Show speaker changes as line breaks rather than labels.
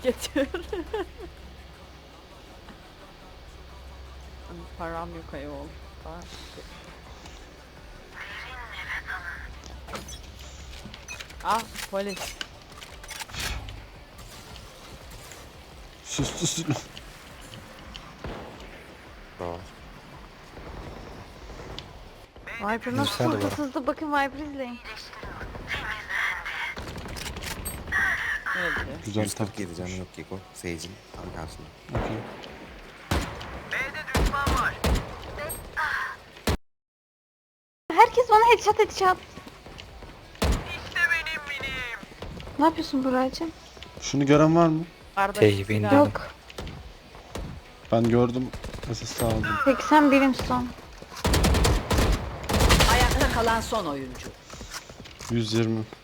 tüketiyor. Param yok ayol. Ah polis.
Sus.
Bravo.
Viper nasıl
Sen de
kurdu
bana.
sızdı, bakın Viper izleyin.
Evet. Evet.
Güzel tak.
147 canı yok Geko. Sage'in tam karşısında.
Okey.
Herkes bana headshot. Ne yapıyorsun Buracığım?
Şunu gören var mı?
Arda
Teybi
silah-
indirdim.
Yok.
Ben gördüm. SS aldım.
81'im son.
Ayakta kalan son oyuncu.
120.